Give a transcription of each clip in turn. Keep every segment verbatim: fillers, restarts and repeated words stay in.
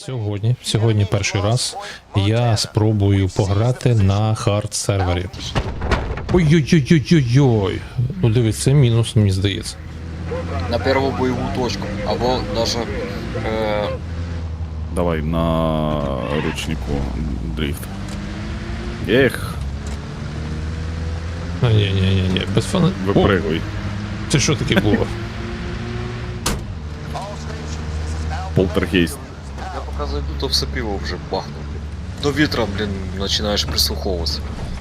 Сьогодні, сьогодні перший раз я спробую пограти на хард сервері. Ой-ой-ой-ой-ой-ой. Ну дивись, це мінус, мені здається. На первую боевую точку, або даже э, Давай на ручнику дрифт. Ех, А, ні, ні, ні, ні, без фана. О, випригуй. це що таке було? Полтергейст. я пока зайду, то все пиво вже бахну. До вітра, блін, починаєш прислуховуватися.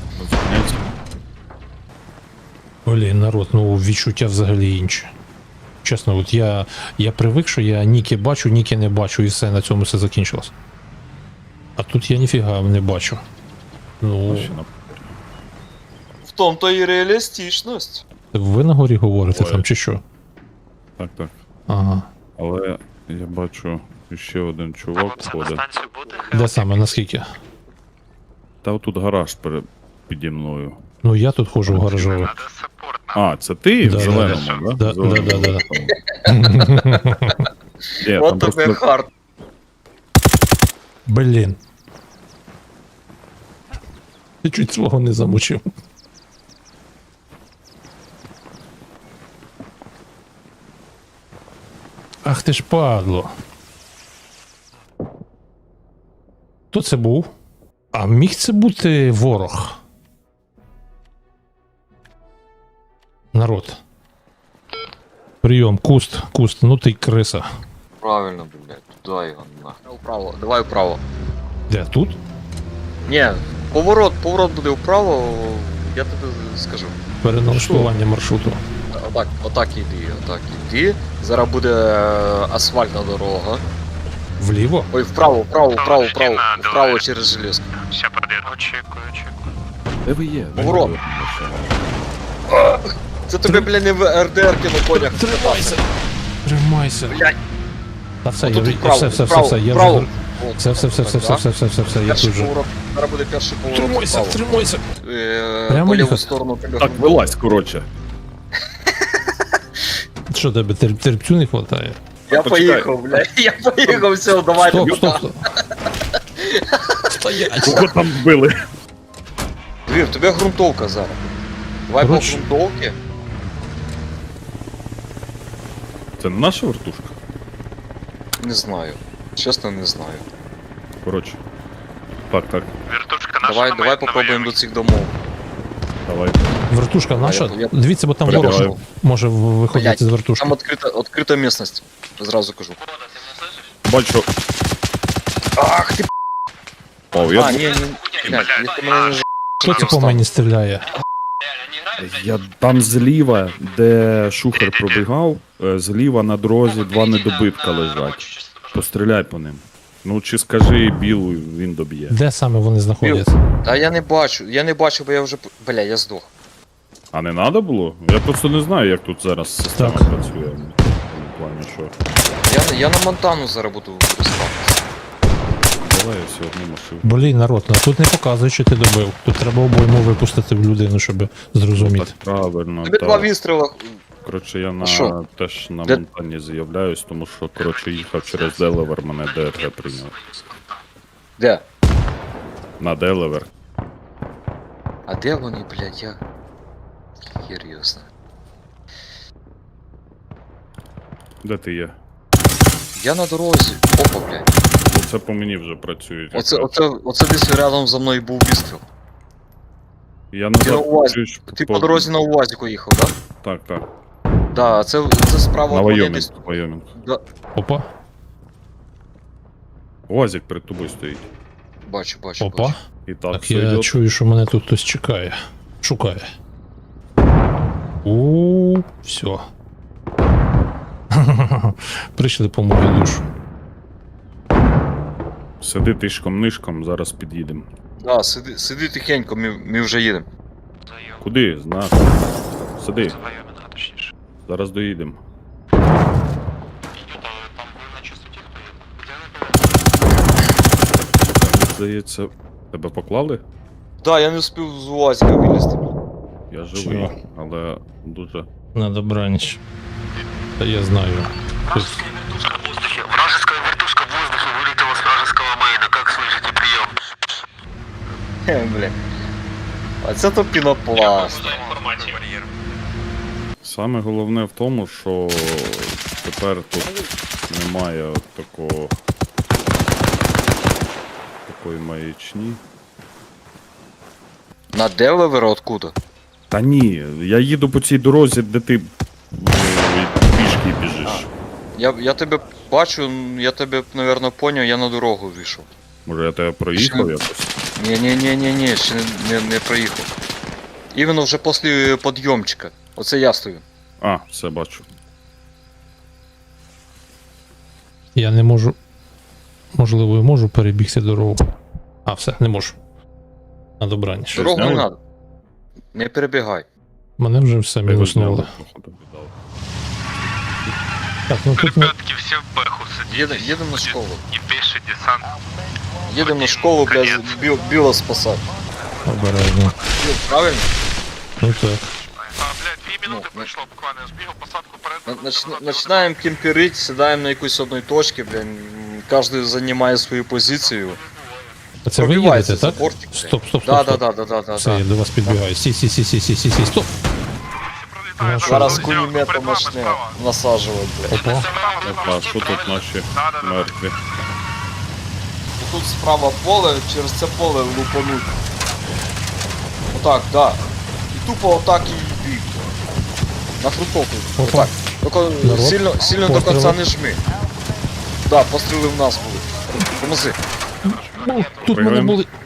Блін, народ, ну відчуття взагалі інше. Чесно, от я, я привик, що я ніки бачу, ніки не бачу, і все, на цьому все закінчилось. А тут я ніфіга не бачу. Ну, В тому-то і реалістичність. ви на горі говорите Ой. там, чи що? Так, так. Ага. Але я бачу ще один чувак ходить. Де саме, наскільки? Та отут гараж перед піді мною. Ну я тут ходжу в гаражове. А, це ти Да, в да, зеленому, да, да? да, да, да, Ні, От там тобі просто хард. Блін. Я чуть свого не замучив. Ах ти ж падло. Хто це був? А міг це бути ворог? Народ. Прийом, куст, куст, ну ти криса. Правильно, блядь, туди його нахуй. Вправо, давай вправо. Де, тут? Ні, поворот, поворот буде вправо, я тобі скажу. Переналаштування маршруту. Отак, отак іди, отак іди. Зараз буде е, асфальтна дорога. Вліво? Ой, вправо, вправо, вправо, вправо, вправо через железку. Ща подойду. Очікую, очікую. де ви є? Поворот. Це тобі, блядь, не в РДРки на конях. Тримайся! Тримайся! Блядь. Та все, я Отут вже... вправо, Все, все, все, вправо, все, я вправо. вже... От, Все, все, все, все, все, так, все, все, все, все, я Перший тут же... поворот, зараз буде перший поворот Тримайся, вправо. тримайся! Е, Прямо По ліву їхати? сторону тебе. Так, вилазь, коротше. Що тебе, терп, терпцю не хватає? Я Почекай. поїхав, блядь, я поїхав, все, давай. Стоп, туди. стоп, стоп! Стоять! Кого там вбили? Дві, в тебе ґрунтовка зараз. Давай Коротше. по ґрунтовці. Це не наша вертушка? Не знаю. Чесно, не знаю. Коротше. Так, так, Вертушка наша. Давай, на давай моїй- на попробуємо моїй. до цих домов. давай. Вертушка наша? я- Дивіться, бо там ворог Прибігаю. може в- виходити Блядь, з вертушки. Там відкрита, відкрита місцевість. Зразу кажу. Бачу. Ах ти О, я, А, ні, ні, блядь, якщо мене не ж... Хто це по мені стріляє? я там зліва, де шухер пробігав, е, зліва на дорозі два недобитка лежать. Постріляй по ним. Ну чи скажи білу, він доб'є. Де саме вони знаходяться? Та я не бачу, я не бачу, бо я вже... Бля, я здох. А не треба було? Я просто не знаю, як тут зараз система Так. працює. В тому плані, що. Я, не- я на Монтану зараз буду виростати. Давай я все одну машину. Блін, народ, ну тут не показує, що ти добив. Тут треба обойму випустити в людину, щоб зрозуміти. Так правильно. Тобі так. два вистріла. Коротше, я на що? теж на Де- Монтані з'являюсь, тому що коротше їхав через Делавер, мене ДРГ прийняв. Де? На Делавер. А де вони, блядь, я... Хер його знає. Де ти є? Я на дорозі. Опа, блядь. Оце по мені вже працюють. Оце, якраз. оце, оце десь рядом за мною був вистріл. Я Ти на назад УАЗі. чуєш, Ти по дорозі на УАЗіку їхав, да? Так, так. Да, це, це справа На от мене Вайомінг. десь. Вайомінг. Да, Опа, УАЗик перед тобою стоїть. бачу, бачу, опа. бачу. І так, Так все я йде. чую, що мене тут хтось чекає. Шукає. У, все. Прийшли по мою душу. Сиди тишком-нишком, зараз під'їдемо. Да, сиди, сиди тихенько, ми, ми вже їдемо. Зайом. Куди? Знак. Сиди, Це Вайомінга, точніше. зараз доїдемо. Йдуть, але там ви на чистоті хто є. Де ви? Здається, тебе поклали? Да, я не встиг з УАЗіка вилізти. Я живий, Чого? але дуже. На добраніч. Та я знаю. Тут Вражеская вертушка в воздухе. Вражеская вертушка в воздухе вылетела с вражеского Блін. А це то пінопласт. Саме головне в тому, що тепер тут немає от такого такої маячні. На Делавер откуда? Та ні, я їду по цій дорозі, де ти ну, пішки біжиш. Я, я тебе бачу, я тебе, напевно, поняв, я на дорогу вийшов. Може я тебе проїхав Ще- якось? Ні-ні-ні-ні, ще не, не, не проїхав. Іменно вже після підйомчика. Оце я стою. А, все бачу. Я не можу. Можливо, і можу перебігти дорогу. А, все, не можу. На добраніч. Що, Дорогу не зняли? треба. Не перебігай. Мене вже все Я його мінуснуло. зняв, походу, віддав. Так, ну тут не... Ребятки, все в бэху садитесь. Їдемо їдем на школу. И пеший десант. Їдемо на школу, блядь, біл, біло спасати. обережно. Біл, правильно? Ну так. А, блядь, две минуты Ну, прошло буквально. Я сбегал посадку перед. На- нач- Начинаємо кемперить, сідаємо на якусь одній точці, блін. Кожен займає свою позицію. А це ви Пробивається їдете, так? заборчик, блядь. Стоп, стоп, стоп. Да, да, стоп. да, да, да, да, Все, да. я до вас підбігаю. Сі, сі, сі, сі, сі, сі, сі, стоп. Ну, що? Зараз Перед вами кулеметом почне справа. насаджувати, блядь. Опа. Опа, що тут наші мертві? Тут справа поле, через це поле лупануть. Отак, да. І тупо отак і бій. На фрутовку. Опа. Отак. Тільки Народ. сильно, сильно до Постріли. кінця не жми. Да, постріли в нас були. Помози. Ну, тут мене Пригаємо. були.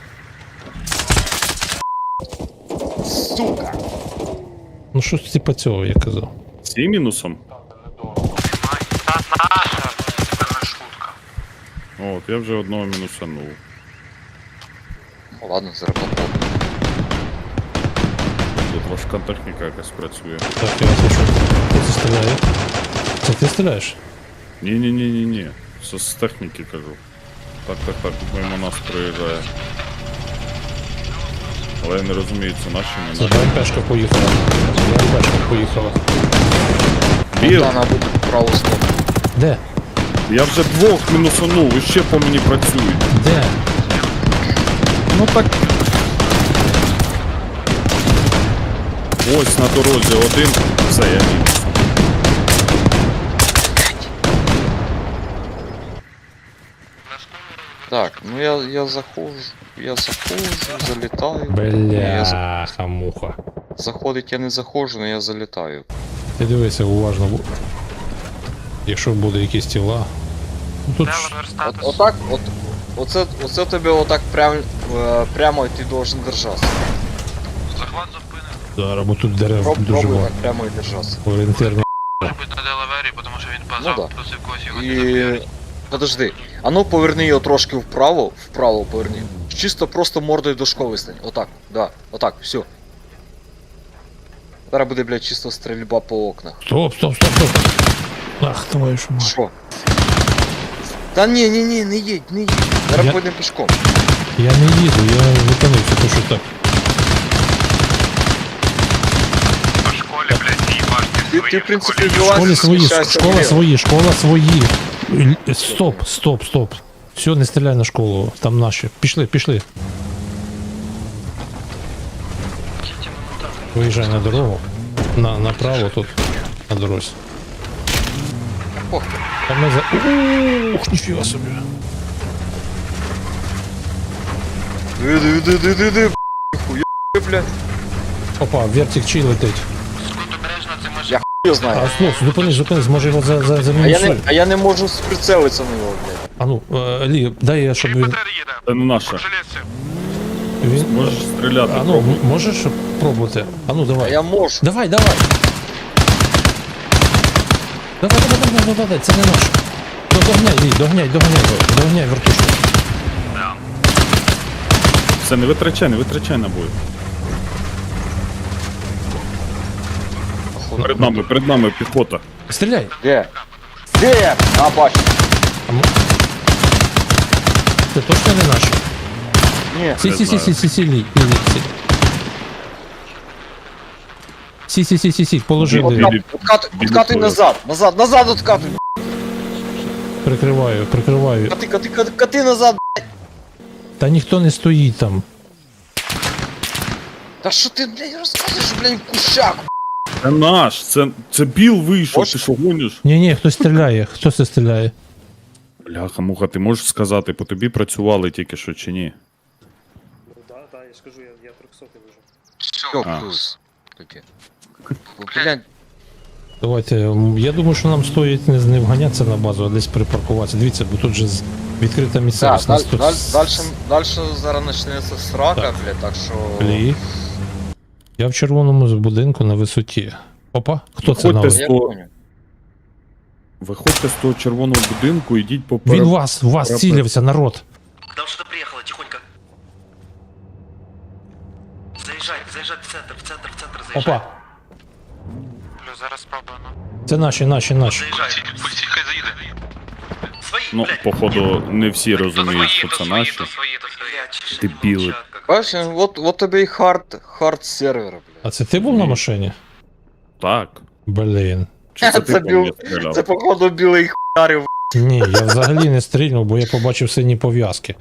Сука! Ну що ж типа цього я казав. З цим мінусом? Та наша, це не шутка. От, я вже одного мінусанув. Ну, ладно, зараз попробуємо. Тут важка техніка якась працює. Так, я вас почув. Хто це стріляє? Це ти стріляєш? Ні-ні-ні-ні-ні. Це з техніки кажу. Так, так, так, мимо нас проїжджає. Але я не розумію, це наші Це не наші. БМПшка поїхала. Це БМПшка поїхала. Біл, Да, надо буде праву сторону. Де? я вже двох мінусанув, і ще по мені працюють. Де? Ну так. Ось на дорозі один. Все, я мінус. Так, ну я, я заходжу, я заходжу, залітаю. Я за- Бляха, муха. Заходить я не заходжу, але я залітаю. Ти дивися уважно. бо- Якщо буде якісь тіла. Ну тут ж Делавер От, статус. отак, от, оце, оце тебе отак прям, е, прямо ти должен держатися. Захват зупинив. зараз, бо тут дерев Проб, дуже пробуй багато. так прямо і держатися. Орієнтирно. Може бути на Делавері, тому що він Ну базав, да. плюс якогось його не І. заб'ють. Подожди. А ну поверни його трошки вправо, вправо поверни. Чисто просто мордою до школи стань. Отак, да, отак, все. Зараз буде, блядь, чисто стрільба по окнах. Стоп, стоп, стоп, стоп. Ах, твою ж мать. Що? Та ні, ні, ні, не їдь, не їдь. Зараз Я- пойдемо пішком. Я не їду, я зупинився, то що так. По школі, блядь, і башки Ти, свої. ти, в принципі, школі. вилазь, Школи свої, сміщайся школа вліво. свої, школа свої. Л- Стоп, стоп, стоп. Все, не стріляй на школу, там наші. Пішли, пішли. Виїжджай на дорогу. На, направо тут, на дорозі. Ох, Там ми за... Ух, ніфіга собі. диви, диви, диви, диви, диви, хуя, блядь. Опа, вертик чий летить. Скут обережно, це може Я хуя знаю. А, слов, зупинись, зупинись, може його за, за, за А я, не, мінусуй. а я не можу прицелитися на нього, блядь. А ну, е, Лі, дай я, щоб він... БТР їде. Це не наша. По железці. він... Можеш стріляти. А ну, пробуй. м- можеш пробувати? А ну, А давай. я можу. Давай, давай. Давай, давай, давай, давай, давай, це не наш. Ну, догняй, Лі, догняй, догняй, догняй вертушку. Це не витрачай, не витрачай набої. Перед нами, перед нами піхота. Стріляй. Де? Де? А, бачу. А м- Це точно не наш? Ні. Сі, сі, сі, сі, сі, сі, Лі, Лі, Лі, сі. Сі, сі, сі, сі, сі, положили. Білі- Откат, откат, білі откатуй поля. назад, назад, назад откатуй. Прикриваю, прикриваю. Кати, кати, кати, кати назад. Та ніхто не стоїть там. Та що ти, блядь, розказуєш, блядь, в кущах? Це наш, це, це біл вийшов, Ось. ти що гониш? Ні, ні, хтось стріляє. Хто це стріляє? Бляха, муха, ти можеш сказати, по тобі працювали тільки що чи ні? Ну да, да, я ж кажу, я, я трьохсотий вижу. Все, А. плюс. Таке. Блядь, Давайте, м, я думаю, що нам стоїть не, не вганятися на базу, а десь припаркуватися. Дивіться, бо тут же з- відкрита так, місцевість. даль, Нас тут даль, с- дальше, дальше зараз почнеться срака, Так. блядь, так що... Блі. Я в червоному з- будинку на висоті. Опа, хто це Виходьте на з- Я Сто- понял. Виходьте з того червоного будинку, ідіть по Він пере- вас, вас пере- цілився, народ. Там что-то приехало, тихонько. Заезжай, заезжай в центр, в центр, в центр заезжай. Опа, Плюс зараз спробуємо. це наші, наші, наші. Заезжай. Поліцій, хай заїде. Свои, Ну, блядь. походу, не всі розуміють, що то це свої, наші. то свої, то свої. Блядь, чеши Дебилы. молчат, как- Бачиш, от, от тобі і хард, хард сервер, блядь. А це ти був на машині? Так. Блін. Чи це Це ти по біл- мені стріляв? Це походу білий хуярів. Ні, я взагалі не стрільнув, бо я побачив сині пов'язки.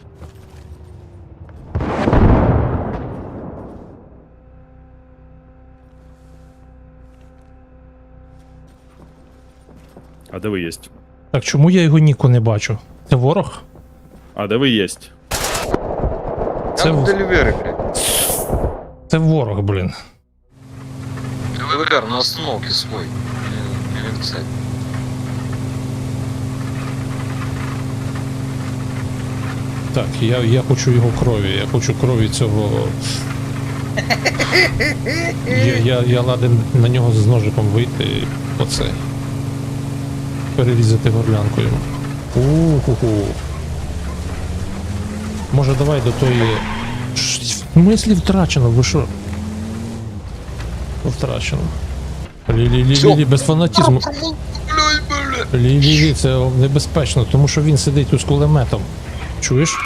А де ви єсть? Так чому я його ніку не бачу? Це ворог? А де ви єсть? Це, Я в в- делівері, блядь. це ворог, блін. Делівер на остановці свой. Не, не винцать. Так, я, я хочу його крові, я хочу крові цього. Я, я, я ладен на нього з ножиком вийти і оце. Перерізати горлянку йому. У-ху-ху. Може давай до тої. Ш- В смислі втрачено, ви що? Втрачено. Лі-лі-лі-лі, без фанатізму. Лі-лі-лі, це небезпечно, тому що він сидить тут з кулеметом. Чуєш?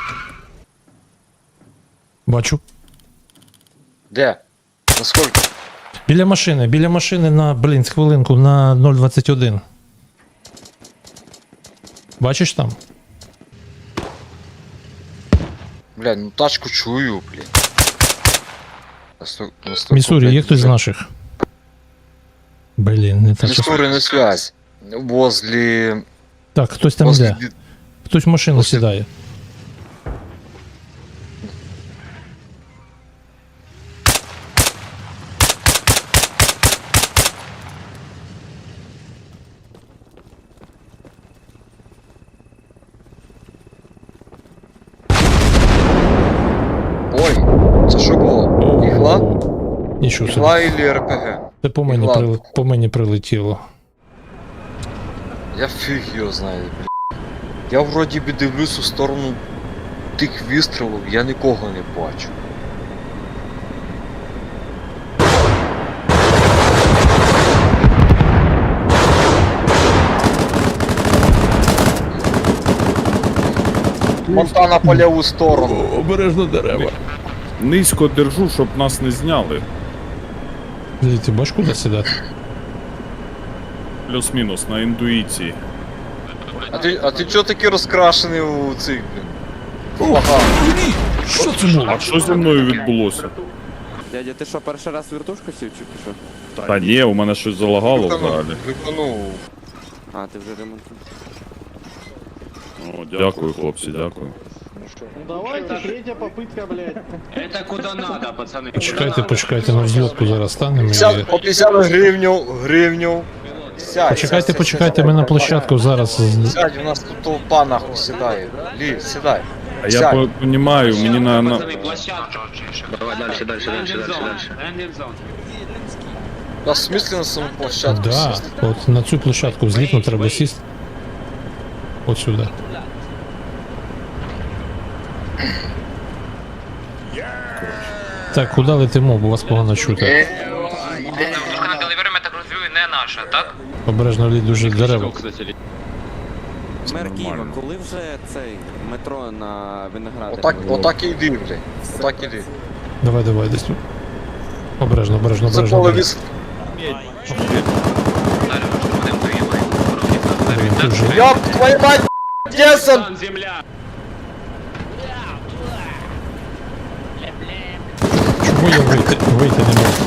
Бачу. Де? Наскільки? Біля машини, біля машини на, блін, хвилинку, на нуль двадцять один. Бачиш там? Блядь, ну тачку чую, блядь. Насто- настолько, Міссурі, блядь, є хтось з вже- наших? Блін, не так. Міссурі не связь. Возле... Так, хтось там возле... йде. ді- Хтось в машину Возле- сідає. Ой, це що було? Ігла? Нічого собі. Ігла или РПГ? Це по мені, Ігла. прили... по мені прилетіло. Я фіг його знаю, блядь. Я вроді би дивлюсь у сторону тих вистрілів, я нікого не бачу. Монтана по ліву сторону. Обережно дерева. Низько держу, щоб нас не зняли. Блін, ти бачиш, куди сідати? Плюс-мінус на інтуїції. А ти, а ти чого такий розкрашений у цих, блін? Ага. Що це було? А що зі мною відбулося? Дядя, ти що, перший раз в вертушку сів чи що? Та ні, у мене щось залагало взагалі. Глюканув. А, ти вже ремонтуєш. О, дякую, хлопці, дякую. Давайте, третья попытка, блядь. Это куда надо, пацаны. Почекайте, почекайте, на взльотку зараз станемо. і- п'ятдесят, по п'ятдесят гривню, гривню. Сядь, Почекайте, сядь, почекайте, сядь, ми на сядь, площадку зараз. з- Сядь, у нас тут толпа нахуй сідає. Лі, сідай. А я Сядь. розумію, мені на... на... Пацаны, площадка. Давай дальше, дальше, дальше, дальше, дальше. Да, в смысле на саму площадку Да, сісти? от на цю площадку злітно треба сісти. От сюди. Так, куди летимо, бо вас погано чути. Вертушка на делівері, я так розумію, не наша, так? Обережно лід дуже дерева. Мер Києва, коли вже цей метро на Виноградарі? Отак, отак і йди, блядь. Отак іди. Давай, давай, десь тут. Обережно, обережно, Це обережно. поле обережно. віс... Далі ми ж будемо до Євої. Блін, тут же. Ёб твою мать, Десен! Чому Чого я вийти, вийти не можу?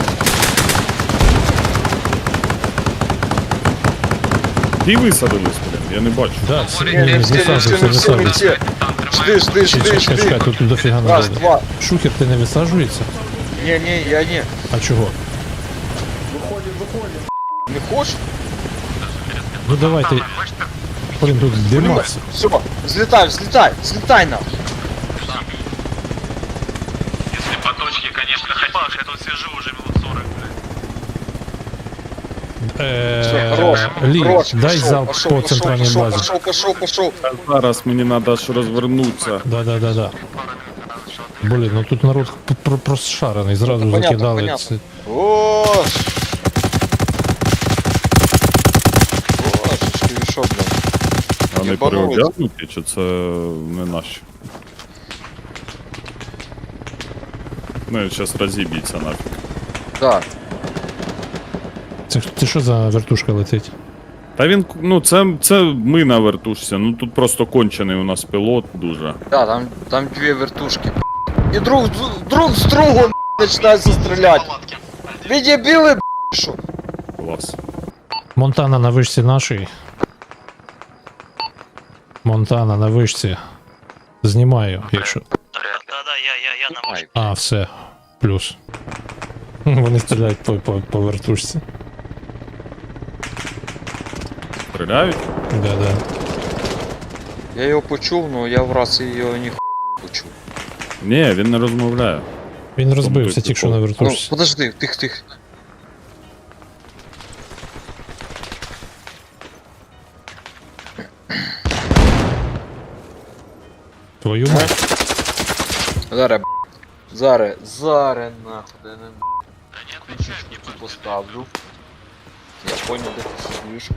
Ті висадились, блін, я не бачу. Да, всі, Ні, ні, не не всі, не всі, висаджуйся, не всі, не висаджуйся. всі. Жди, жди, жди, Чекай, чекай, чекай, жди. тут дофіга Раз, надо. два. Шухер, ти не висаджується? Ні, ні, я ні. А чого? Не хочеш? Ну давайте. Блін, тут димався. Все, взлетай, взлетай, взлетай нам. Если по точке, конечно, хоть. Я тут сижу уже минут сорок, блядь. Все, Е, хорош, Лі, хорош, дай пошел, залп пошел, по пошел, центральній пошел, базі. пошел, пошел, пошел. А зараз мені треба аж розвернутися. Да, да, да, да. Блін, ну тут народ п- пр- просшарений, зразу Понятно, закидали. понятно. Це... Ош. Божечки, ви що, блядь? Вони Єбанулись. переодягнуті, чи це не наші? Ну, зараз розіб'ється нафіг. Да. Це, це що за вертушка летить? Та він, ну це, це ми на вертушці, ну тут просто кончений у нас пілот дуже. Да, там, там две вертушки. И друг, с- друг с другом начинаются стрелять. Вы дебилы, что? Клас. Монтана на вишці нашій. Монтана на вишці. Знімаю, якщо. Да-да, я, я, я на Ай, А, все. Плюс. Вони стріляють по, по, по вертушці. Стріляють? Да, да. я його почув, но я в раз його ні почув. Ні, він не розмовляє. Він розбився той тільки що на прикол. Ну, вертушці. подожди, тих, тих. Твою мать. Зараз, б***. Зараз, зараз, нахуй, да не б***. Поставлю. Я понял, де ти сидиш.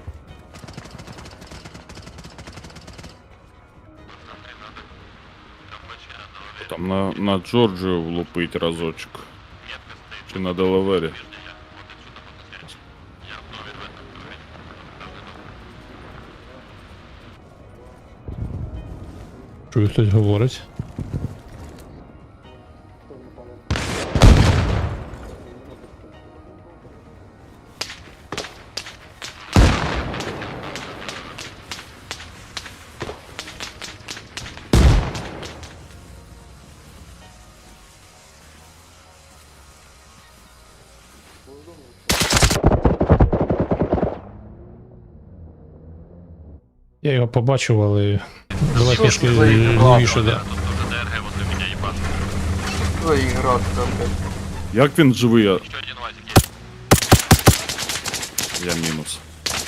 Там на, на Джорджію влупить разочок. Чи на Делавері. Чую, хтось говорить. Я його побачив, але давай Що трошки ж ви лівіше, да. Ой, грати там, блядь. Як він живий? Я, я мінус.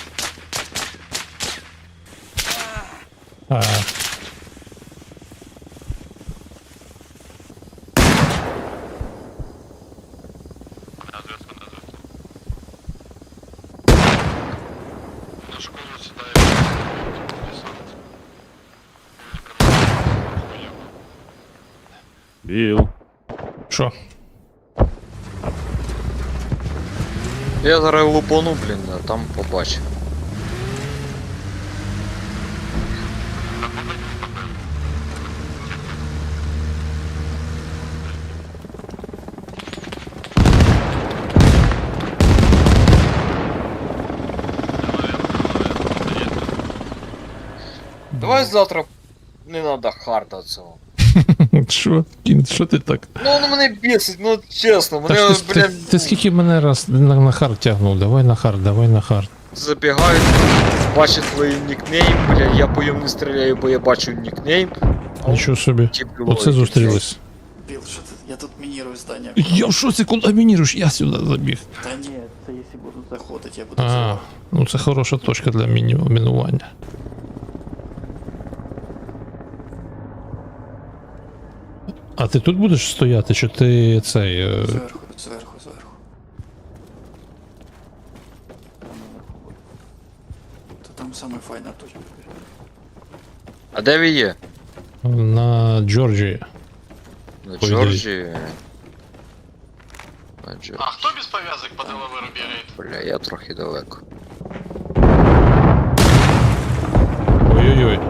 А, Біл. що? Я зараз лупану, блін, а там побачу. Давай завтра не надо харда цього. Що? Кін, що ти так? Ну воно мене бісить, ну чесно, Та мене, ж ти, ти, блін, ти скільки мене раз на, на хард тягнув? Давай на хард, давай на хард. забігають, бачать твій нікнейм, бля, я по йому не стріляю, бо я бачу нікнейм. Нічого собі. Типу, Оце зустрілись. Біл, що ти? Я тут мінірую здання. Я в шоці, куди мініруєш? Я сюди забіг. Та ні, це якщо будуть заходити, я буду А, взривати. ну це хороша точка для міні- мінування. А ти тут будеш стояти, чи ти цей. е, Зверху, зверху, зверху. То там саме файна точка. А де ви є? на Джорджії? На По Джорджії. На Джорджії. А хто без пов'язок по Делаверу бігає? Бля, я трохи далеко. Ой-ой-ой.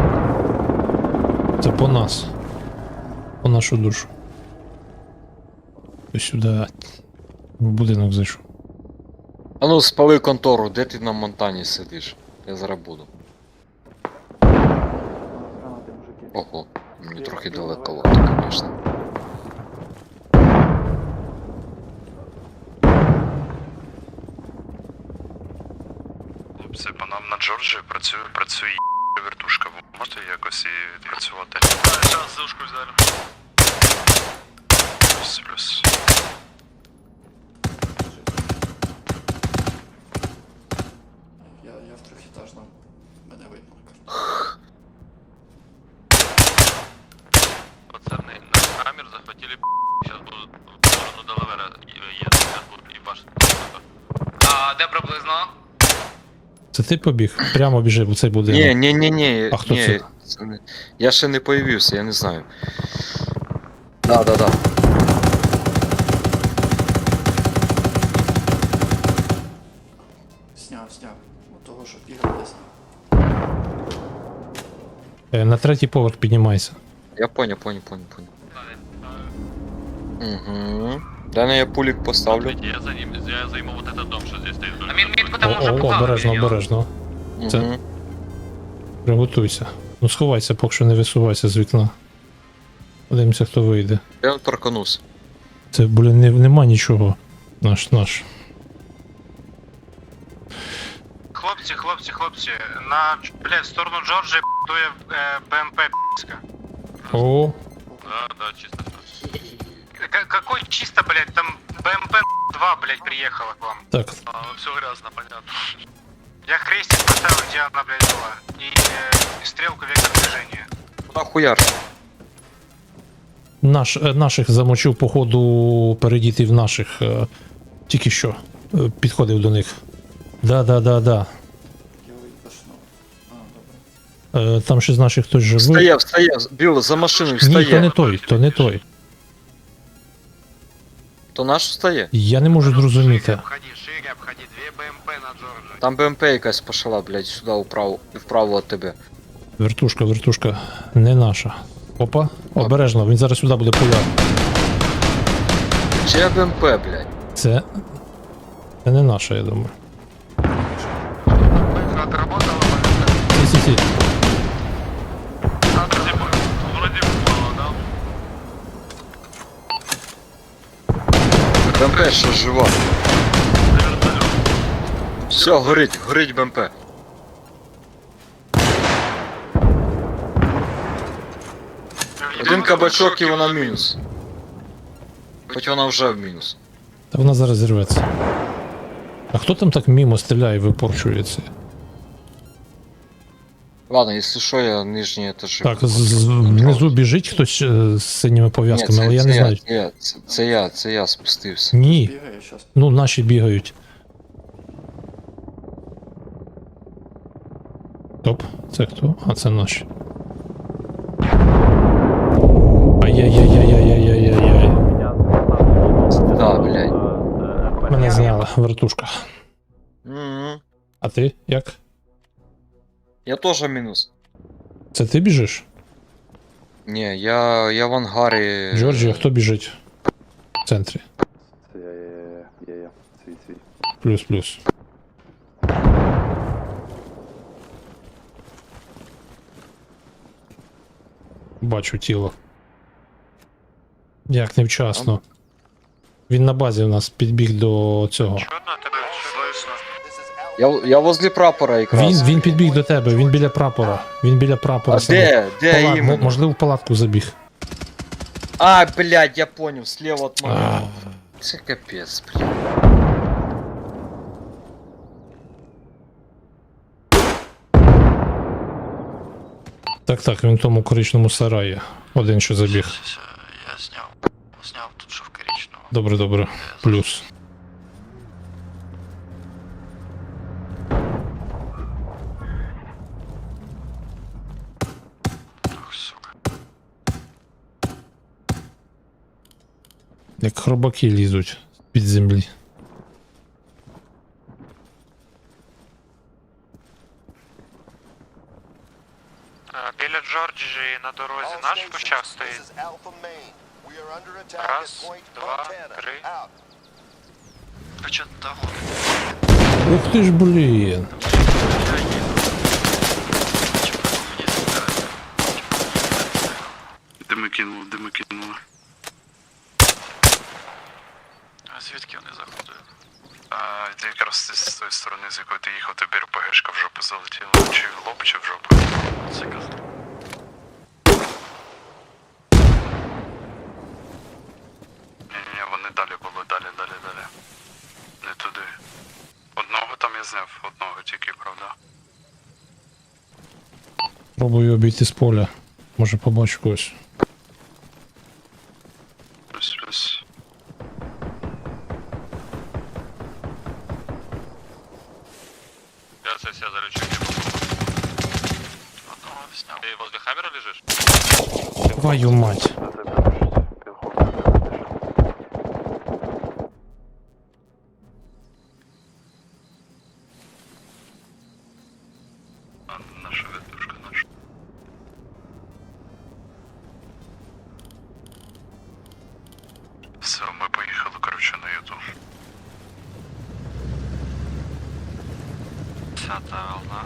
Це по нас. По нашу душу. Ось сюди. В будинок зайшов. А ну спали контору, де ти на Монтані сидиш? Я зараз буду. Гранати, мужики. Ого, мені трохи далековато, звісно. Хлопці, по нам на Джорджії працює, працює вертушка. Ви можете якось її відпрацювати? Зараз зушку взяли. Плюс, плюс. Я, я в трьохетажному. Мене видно на карті. Пацаны, на камер захватили. Сейчас будут в сторону Делавера едут, сейчас будут ебашить. А де приблизно? Це ти побіг? Прямо біжи в цей будинок. Ні, ні, ні, ні. А хто ні, це? це не- Я ще не появився, я не знаю. Да, да, да. Сняв, сняв. От того, що бігав, я сняв. Е, На третій поверх піднімайся. Я понял, понял, понял, понял. Угу. Дана я пулик поставлю. Я за ним, я займу вот этот дом, что здесь стоит. А мін- мітку там О, уже о, поклали. обережно, йо. обережно. Це- Угу. Приготуйся. Ну сховайся, поки що не висувайся з вікна. Подивимося, хто вийде. Я торканусь. Це, блін, не, нема нічого. Наш, наш. Хлопці, хлопці, хлопці, на, блядь, в сторону Джорджії дує е, БМП пи***ска. О, Да, да, чисто. К- какой чисто, блядь, там БМП два, блядь, приехала к вам. так. А, все грязно, понятно. Я крестик поставил, где она, блядь, была. И, э, и стрелку вектор движения. Куда хуяр? Наш, е, наших замочив, походу, передіти в наших. е, Тільки що. е, Підходив до них. Да, да, да, да. Я випашнув. А, добре. Е, Там ще з наших хтось живий. Встає, встає, Біл, за машиною Ні, то не встає. той, то не той. То наш встає? Я не можу зрозуміти. Обходи, шире обходи, две БМП на Джорджии. Там БМП якась пошла, блядь, сюди вправо, вправо від тебе. Вертушка, вертушка, не наша. Опа, обережно, він зараз сюди буде пуляти. Чия БМП, блядь? Це. Це не наша, я думаю. Отработала, Сі, сі, сі. вроде упала, да? БМП ще жива. Все, горить, горить БМП. Один кабачок і вона мінус. Хоч вона вже в мінус. Та вона зараз зірветься. А хто там так мімо стріляє і випорчується? Ладно, якщо що, я нижній етажі. Так, з- з- внизу біжить хтось е, з синіми Ні, пов'язками, це, але я це не знаю. Це я, це, це я, це я спустився. Ні, Бігає щас. ну наші бігають. Топ, це хто? А, це наші. Ай-яй-яй-яй-яй-яй-яй-яй. Да, блядь. Мене зняла вертушка. Мгм. А ти як? Я теж мінус. Це ти біжиш? Ні, я, я в ангарі. Джорджія, хто біжить? В центрі. Це я, я, я, я, я, свій, свій. Плюс-плюс. Бачу тіло. Як невчасно. Він на базі у нас підбіг до цього. Чё на тебе слышно? Я, я возле прапора якраз. Він, він підбіг до тебе, він біля прапора. Він біля прапора. А саме. де? Де Палат- мо- іменно? Можливо, в палатку забіг. А, блядь, я понял, слева от А. мене. Це капець, блядь. Так, так, він в тому коричному сараї. Один що забіг. Я зняв. Зняв тут, що в коричневому. Добре, добре. Плюс. Ох, сука. Як хробаки лізуть під землі. Біля Джорджії на дорозі наш кущах стоїть. Раз, два, три. Ви чо там? Ух ти ж, блін. Дими кинули, дими кинули. А звідки вони заходили? А, якраз з тої сторони, з якої ти їхав, тобі РПГшка в жопу залетіла. Чи в лоб, чи в жопу. Це казав. Ні-ні, вони далі були, далі, далі, далі. Не туди. Одного там я зняв, одного тільки, правда. Пробую обійти з поля. Може побачу когось. Плюс, плюс. Я це все залечу. Одного сняв. Ти возле Хаммера лежиш? Твою мать. А, наша ветушка, наша. Все, ми поїхали, коротше, на ютуб. Десята волна.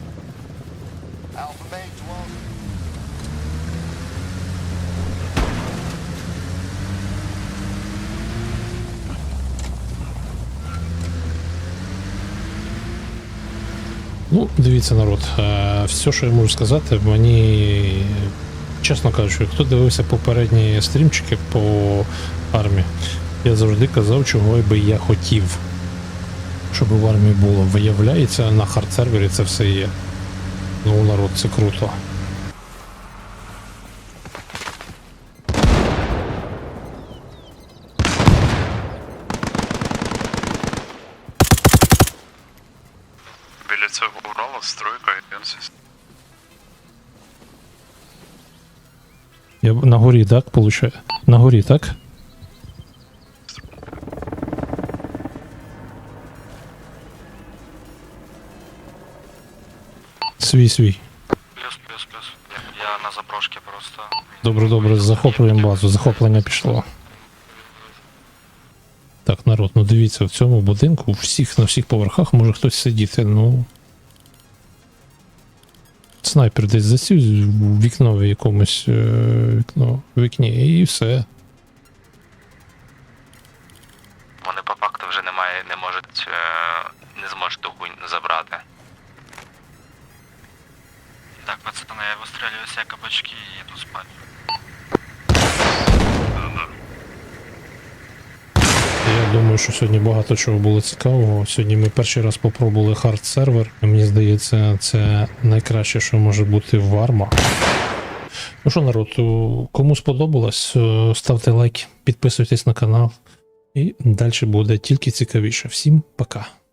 Ну, дивіться, народ, е, все, що я можу сказати, мені, чесно кажучи, хто дивився попередні стрімчики по армії, я завжди казав, чого би я хотів, щоб в армії було. Виявляється, на хард-сервері це все є. Ну, народ, це круто. Біля цього Урала стройка і Енсіс. Я б- на горі, так, получаю? На горі, так? Свій, свій. Плюс, плюс, плюс. Я на заброшці просто. Добре, добре, захоплюємо базу. Захоплення пішло. Так, народ, ну дивіться, в цьому будинку у всіх на всіх поверхах може хтось сидіти, ну. Снайпер десь засів в вікно в якомусь е, вікно, в вікні і все. Вони по факту вже немає, не можуть, е, не зможуть ту хуйню забрати. Так, пацани, я вистрілюю всі кабачки і йду спати. Я думаю, що сьогодні багато чого було цікавого. Сьогодні ми перший раз попробували хард сервер. Мені здається, це найкраще, що може бути в Арма. Ну що, народ, кому сподобалось, ставте лайк, підписуйтесь на канал. І далі буде тільки цікавіше. Всім пока.